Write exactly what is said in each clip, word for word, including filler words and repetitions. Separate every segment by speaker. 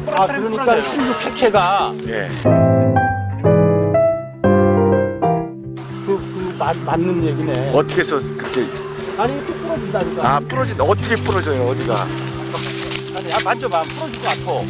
Speaker 1: 아, 그러니까 십육 캐캐가
Speaker 2: 예.
Speaker 1: 그, 그 맞, 맞는 얘기네.
Speaker 2: 어떻게 해서 그렇게
Speaker 1: 아니 또 부러진다니까.
Speaker 2: 아 부러진 어떻게 부러져요 어디가?
Speaker 1: 아니 야 만져봐 부러지고 아파.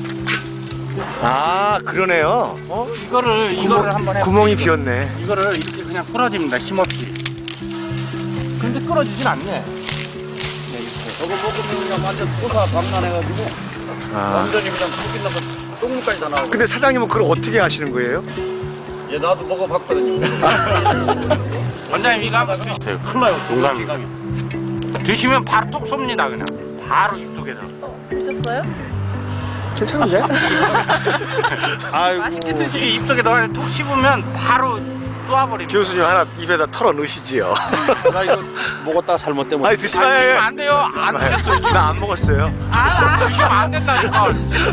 Speaker 2: 아 그러네요.
Speaker 1: 어 이거를 이거를 한번 해.
Speaker 2: 구멍이 비었네.
Speaker 1: 이거를 이렇게 그냥 풀어집니다 힘없이. 근데 끊어지진 않네.
Speaker 3: 저거 먹으면 그냥 완전 토사 방난해가지고
Speaker 2: 아.
Speaker 3: 완전히 그냥 죽긴 나서 똥물까지 다 나오고.
Speaker 2: 근데 사장님은 그걸 어떻게 하시는 거예요?
Speaker 3: 얘 나도 먹어봤거든요.
Speaker 1: 원장님 이거 한번 드세요. 큰일 나요. 농담입니다. 드시면 바로 톡 쏩니다 그냥. 바로 입속에서.
Speaker 4: 드셨어요?
Speaker 2: 괜찮은데?
Speaker 1: 아이고.
Speaker 4: 맛있게 드시네.
Speaker 1: 이게 입속에 넣어 톡 씹으면 바로 쏘아버립니다.
Speaker 2: 교수님 하나 입에다 털어 넣으시지요.
Speaker 1: 나 이거 먹었다가 잘못되면.
Speaker 2: 아니 드시
Speaker 1: 아니,
Speaker 2: 마요.
Speaker 1: 드시면 안 돼요. 안 돼요.
Speaker 2: 나 안 먹었어요.
Speaker 1: 아, 아, 드시면 안 된다니까.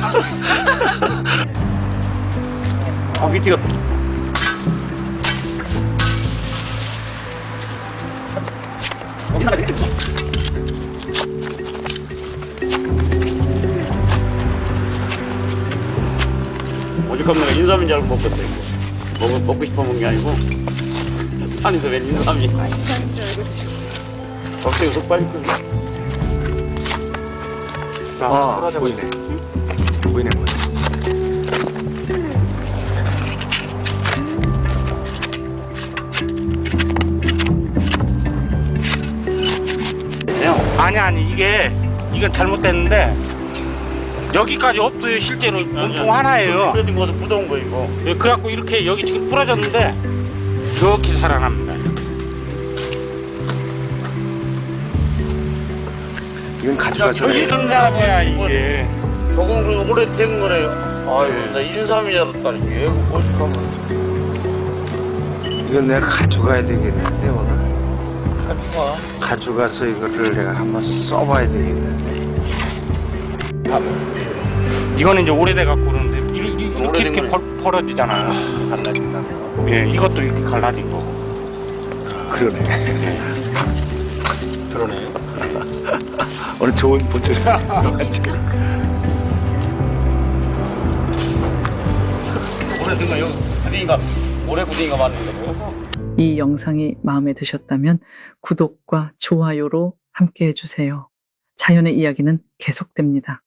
Speaker 1: 고기 튀겼.
Speaker 3: 오죽하면 내가 인삼인 줄 알고 먹었어 이거. 먹, 먹고 싶어 먹은 게 아니고 산에서 웬 인삼이. 갑자기 속 빠졌거든.
Speaker 2: 아 보이네. 보이네 보이네.
Speaker 1: 아니 아니 이게 이건 잘못됐는데 여기까지 없어요 실제로 몸통 하나예요.
Speaker 3: 뿌려진 거서 묻어온 거 이거.
Speaker 1: 예, 그래갖고 이렇게 여기 지금 부러졌는데 이렇게 살아납니다. 이렇게.
Speaker 2: 이건 가져가서
Speaker 1: 여기 등산이야 이게.
Speaker 3: 저건 그 오래 된 거래요. 아유 나 인삼인 줄 알았다니. 얘가 오죽하면.
Speaker 2: 이건 내가 가져가야 되겠는데 오늘.
Speaker 1: 가져가.
Speaker 2: 가져가서 이거를 내가 한번 써봐야 되겠는데.
Speaker 1: 이거는 이제 오래돼 갖고 그러는데 이- 이- 이렇게
Speaker 3: 오래된
Speaker 1: 이렇게
Speaker 3: 거네.
Speaker 1: 벌, 벌어지잖아요.
Speaker 3: 갈라진다네요.
Speaker 1: 예, 이것도 이렇게 갈라진 거.
Speaker 2: 그러네.
Speaker 1: 그러네.
Speaker 2: 오늘 좋은 본초였어.
Speaker 3: 오래된 거 여기 구덩이가 오래 구덩이가 맞는 거고.
Speaker 5: 이 영상이 마음에 드셨다면 구독과 좋아요로 함께 해주세요. 자연의 이야기는 계속됩니다.